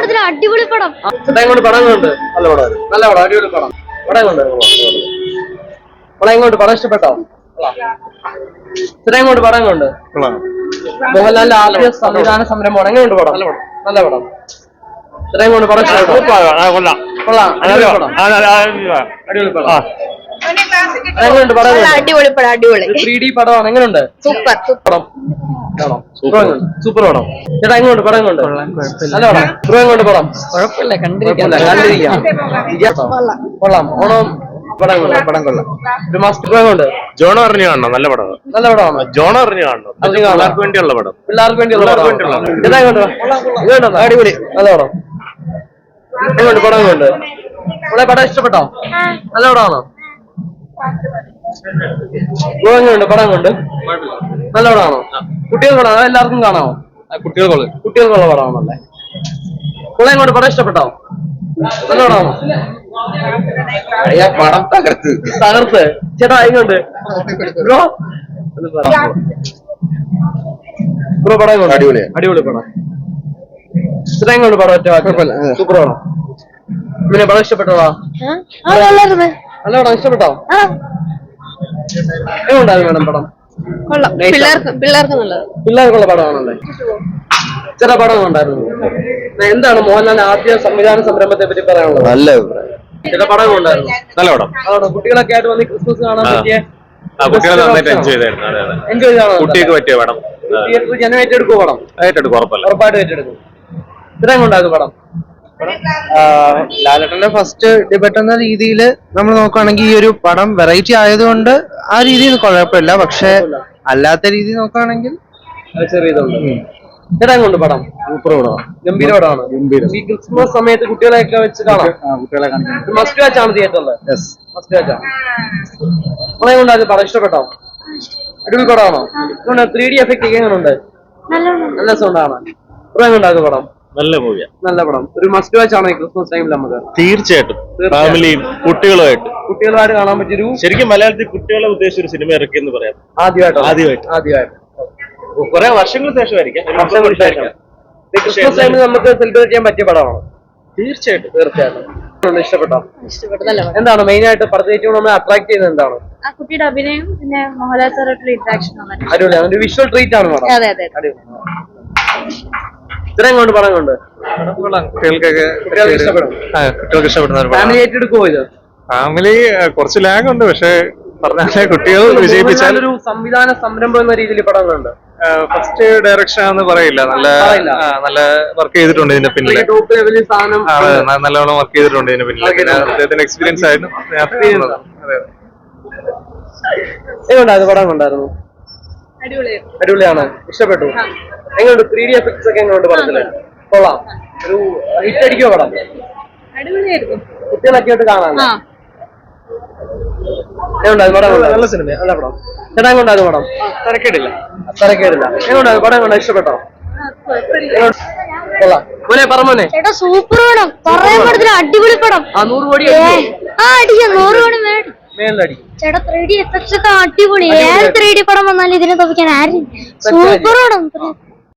പടത്തിന് അടിപൊളി പടം. ഇങ്ങോട്ട് പടം കൊണ്ട് നല്ല പടം, നല്ല പടം, അടിപൊളി പടം. പടം കൊണ്ട് പടം ഇങ്ങോട്ട് പടം ഇഷ്ടപ്പെട്ടോ? ഇങ്ങോട്ട് പടം കൊണ്ട് മോഹൻലാലിന്റെ ആദ്യ സംവിധാന സംരംഭമാണ്. എങ്ങനെയുണ്ട് പടം? നല്ല പടം. ഇങ്ങോട്ട് പടം ഇഷ്ടപ്പെട്ടോ? കൊള്ളാം, അടിപൊളി പടം, അടിപൊളി പടം. എങ്ങനെയുണ്ട് പടം? അടിപൊളി പടം, അടിപൊളി 3D പടമാണ്. എങ്ങനെയുണ്ട്? സൂപ്പർ പടം, സൂപ്പർ പടം. ചേട്ടാ എങ്ങോട്ട് പടം കൊണ്ട്? നല്ല പടം. എങ്ങോട്ട് പടം? കുഴപ്പമില്ല, കണ്ടിരിക്കാം. കൊള്ളാം. ഓണം പടം കൊള്ളാം, പടം കൊള്ളാം. ഒരു മാസ്റ്റർ കൊണ്ട് ജോൺ അറിഞ്ഞു കാണണം, നല്ല പടം, നല്ല പടമാണ്. ജോൺ അറിഞ്ഞു കാണണം, പിള്ളേർക്ക് വേണ്ടിയുള്ള പടം, പിള്ളേർക്ക് വേണ്ടിയുള്ള അടിപൊളി, നല്ല പടം. എങ്ങോട്ട് പടം കൊണ്ട്? ഇവിടെ പടം ഇഷ്ടപ്പെട്ടോ? നല്ല പടമാണോ? എങ്ങനെയുണ്ട് പടം കൊണ്ട്? നല്ല പടമാണോ? കുട്ടികൾക്ക് പടം എല്ലാവർക്കും കാണാമോ? കുട്ടികൾക്കുള്ള പടമാണല്ലേ. കുളം കൊണ്ട് പടം ഇഷ്ടപ്പെട്ടോ? നല്ല പടമാണോ? പടം തകർത്ത്. ചേട്ടാ എങ്ങോട്ട് ബ്രോ? ബ്രോ പടം കൊണ്ട് അടിപൊളി പടം. ചേട്ടാ എങ്ങോട്ട് പടം? സൂപ്പർ പടം. പിന്നെ പടം ഇഷ്ടപ്പെട്ടോളാ? നല്ല പടം ഇഷ്ടപ്പെട്ടോ? എങ്ങോട്ടായിരുന്നു മേഡം പടം? പിള്ളേർക്കുള്ള പടമാണല്ലേ. ചില പടം ഉണ്ടായിരുന്നു. എന്താണ് മോഹൻലാലിന്റെ ആദ്യ സംവിധാന സംരംഭത്തെ പറ്റി പറയാനുള്ളത്? നല്ല ചില പടം ഉണ്ടായിരുന്നു. നല്ല പടം. കുട്ടികളൊക്കെ ആയിട്ട് വന്ന് ക്രിസ്മസ് കാണാൻ പറ്റിയ, കുട്ടികളെ നന്നായിട്ട് എൻജോയ് ചെയ്തായിരുന്നു. എൻജോയ് ചെയ്താണോ? കുട്ടികൾക്ക് പറ്റിയ പടം. തിയേറ്ററിൽ ജനം ഏറ്റെടുക്കും പടം? ഏറ്റെടുക്കും, ഉറപ്പായിട്ട് ഏറ്റെടുക്കും. ഇത്രയും കൊണ്ടാകും പടം. ലാലേട്ടന്റെ ഫസ്റ്റ് ഡിബേറ്റ് എന്ന രീതിയിൽ നമ്മൾ നോക്കുകയാണെങ്കിൽ ഈ ഒരു പടം വെറൈറ്റി ആയതുകൊണ്ട് ആ രീതിയിൽ കുഴപ്പമില്ല. പക്ഷെ അല്ലാത്ത രീതി നോക്കുകയാണെങ്കിൽ ചെറിയതുണ്ട്. ഇടം കൊണ്ട് പടം സൂപ്പർ പടമാണ്, ഗംഭീര പടമാണ്. ഈ ക്രിസ്മസ് സമയത്ത് കുട്ടികളെയൊക്കെ വെച്ച് കാണാം. കുട്ടികളെ കാണിക്കാൻ മസ്റ്റ് വാച്ച് ആണ് തിയേറ്ററിൽ. മസ്റ്റ് വാച്ച് ആണ്. നമ്മളെ കൊണ്ടാത് പടം ഇഷ്ടപ്പെട്ടോ? അടിപൊളി പടമാണോ? 3D എഫക്ട് എങ്ങനെയുണ്ട്? നല്ല സൗണ്ടാണ്. ഇത്രയും കൊണ്ടാകും പടം. നല്ല മൂവിയാ, നല്ല പടം. ഒരു മസ്റ്റ് വാച്ച് ആണ് ഈ ക്രിസ്മസ് ടൈമിൽ നമുക്ക്. തീർച്ചയായിട്ടും ഫാമിലിയും കുട്ടികളുമായിട്ട് കാണാൻ പറ്റിയൊരു, ശരിക്കും മലയാളത്തിൽ കുട്ടികളെ ഉദ്ദേശിച്ച ഒരു സിനിമ ഇറക്കിയെന്ന് പറയാം. ആദ്യമായിട്ട് കുറെ വർഷങ്ങൾക്ക് ശേഷമായിരിക്കാം. ക്രിസ്മസ് ടൈമിൽ നമുക്ക് സെലിബ്രേറ്റ് ചെയ്യാൻ പറ്റിയ പടമാണ്. തീർച്ചയായിട്ടും ഇഷ്ടപ്പെട്ടോ? എന്താണ് മെയിൻ ആയിട്ട് പടത്തേക്ക് നമ്മൾ അട്രാക്ട് ചെയ്യുന്നത്? എന്താണ്? ആ കുട്ടിയുടെ അഭിനയം, പിന്നെ മോഹൻലാൽ സാറായിട്ടുള്ള ഇന്ററാക്ഷൻ. അടിപൊളിയാണ്. ഒരു വിഷ്വൽ ട്രീറ്റ് ആണ് പടം. ഇത്രയും കൊണ്ട് പടം കൊണ്ട് കുട്ടികൾക്ക് ഇഷ്ടപ്പെടുന്ന ഫാമിലി ഏറ്റെടുക്കുമോ ഇത്? ഫാമിലി കുറച്ച് ലാഗ് ഉണ്ട്, പക്ഷെ പറഞ്ഞാലേ കുട്ടികൾ വിജയിപ്പിച്ചാൽ ഒരു സംവിധാന സംരംഭം എന്ന രീതിയിൽ പടങ്ങളുണ്ട്. ഫസ്റ്റ് ഡയറക്ഷൻ ആണെന്ന് പറയില്ല, നല്ല വർക്ക് ചെയ്തിട്ടുണ്ട് ഇതിന്റെ പിന്നിൽ, നല്ലോണം വർക്ക് ചെയ്തിട്ടുണ്ട് ഇതിന്റെ പിന്നിൽ. അദ്ദേഹത്തിന്റെ എക്സ്പീരിയൻസ് ആയിരുന്നു. എങ്ങനെയുണ്ടായിരുന്നു പടം? കൊണ്ടായിരുന്നു, അടിപൊളിയാണ്. ഇഷ്ടപ്പെട്ടു. എങ്ങനെയുണ്ട് 3D എഫക്ട്സ് ഒക്കെ? എങ്ങനെയുണ്ട് പടത്തില്? കൊള്ളാം. ഒരു ഹിറ്റ് അടിക്കോ പടം? കുട്ടികളൊക്കെ ആയിട്ട് കാണാൻ നല്ല സിനിമ, നല്ല പടം. ചേട്ടാ കൊണ്ടായിരുന്നു പടം? തരക്കേടില്ല. എങ്ങനെയുണ്ടായിരുന്നു പടം? കൊണ്ട് ഇഷ്ടപ്പെട്ടോ? കൊള്ളാം. മോനെ പറമോനെ സൂപ്പർ പടം, പറയാൻ പടത്തിന് അടിപൊളി പടം. 100 കോടി അടിക്കാം, 100 കോടി മേലടിക്കും. ചേട്ടാ 3D എഫക്ട്സ് ഒക്കെ അടിപൊളി. ഏത് 3D പടം വന്നാലും ഇതിനെ തോപ്പിക്കാൻ ആരും. സൂപ്പർ പടം.